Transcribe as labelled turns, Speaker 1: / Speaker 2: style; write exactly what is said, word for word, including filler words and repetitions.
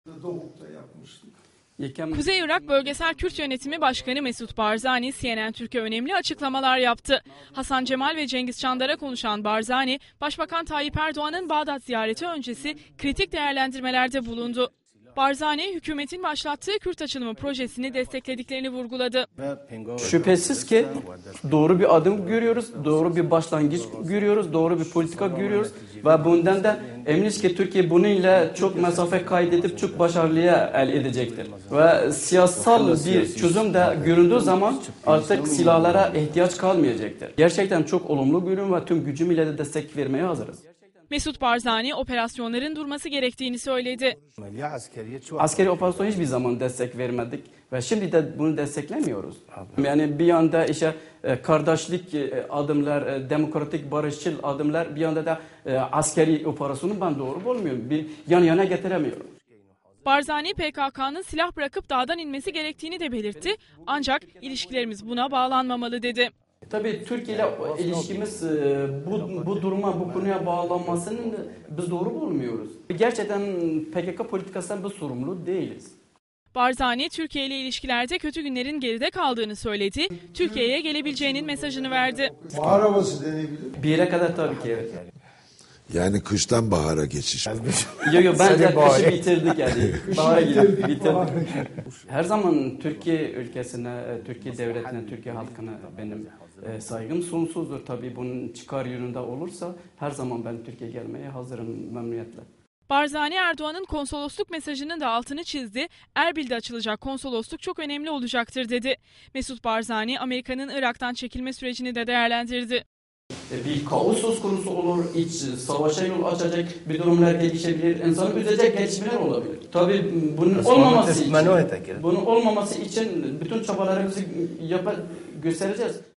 Speaker 1: Doğuk'ta yapmıştık.
Speaker 2: Kuzey Irak Bölgesel Kürt Yönetimi Başkanı Mesut Barzani, C N N Türk'e önemli açıklamalar yaptı. Hasan Cemal ve Cengiz Çandar'a konuşan Barzani, Başbakan Tayyip Erdoğan'ın Bağdat ziyareti öncesi kritik değerlendirmelerde bulundu. Barzani, hükümetin başlattığı Kürt açılımı projesini desteklediklerini vurguladı.
Speaker 3: Şüphesiz ki doğru bir adım görüyoruz, doğru bir başlangıç görüyoruz, doğru bir politika görüyoruz ve bundan da eminiz ki Türkiye bununla çok mesafe kaydedip çok başarılıya el edecektir. Ve siyasal bir çözüm de göründüğü zaman artık silahlara ihtiyaç kalmayacaktır. Gerçekten çok olumlu görün ve tüm gücümüyle de destek vermeye hazırız.
Speaker 2: Mesut Barzani operasyonların durması gerektiğini söyledi.
Speaker 3: Askeri operasyon hiçbir zaman destek vermedik ve şimdi de bunu desteklemiyoruz. Yani bir yanda işte kardeşlik adımlar, demokratik barışçıl adımlar, bir yanda da askeri operasyonu ben doğru bulmuyorum. Bir yan yana getiremiyorum.
Speaker 2: Barzani P K K'nın silah bırakıp dağdan inmesi gerektiğini de belirtti. Ancak ilişkilerimiz buna bağlanmamalı dedi.
Speaker 3: Tabii Türkiye ile ilişkimiz bu, bu duruma, bu konuya bağlanmasını biz doğru bulmuyoruz. Gerçekten P K K politikasından biz sorumlu değiliz.
Speaker 2: Barzani, Türkiye ile ilişkilerde kötü günlerin geride kaldığını söyledi. Türkiye'ye gelebileceğinin mesajını verdi.
Speaker 1: Bahar havası denebilir.
Speaker 3: Bir yere kadar tabii ki evet.
Speaker 4: Yani kıştan bahara geçiş.
Speaker 3: Yok yok bence kışı bitirdik yani. Bahara girdik, bitirdik. Her zaman Türkiye ülkesine, Türkiye devletine, Türkiye halkına benim saygım sonsuzdur. Tabii bunun çıkar yönünde olursa her zaman ben Türkiye'ye gelmeye hazırım memnuniyetle.
Speaker 2: Barzani, Erdoğan'ın konsolosluk mesajının da altını çizdi. Erbil'de açılacak konsolosluk çok önemli olacaktır dedi. Mesut Barzani, Amerika'nın Irak'tan çekilme sürecini de değerlendirdi.
Speaker 3: Bir kaos söz konusu olur, iç savaşa yol açacak bir durumlar gelişebilir, insanı üzecek gelişmeler olabilir. Tabii bunun olmaması için, bunun olmaması için bütün çabalarımızı yapar, göstereceğiz.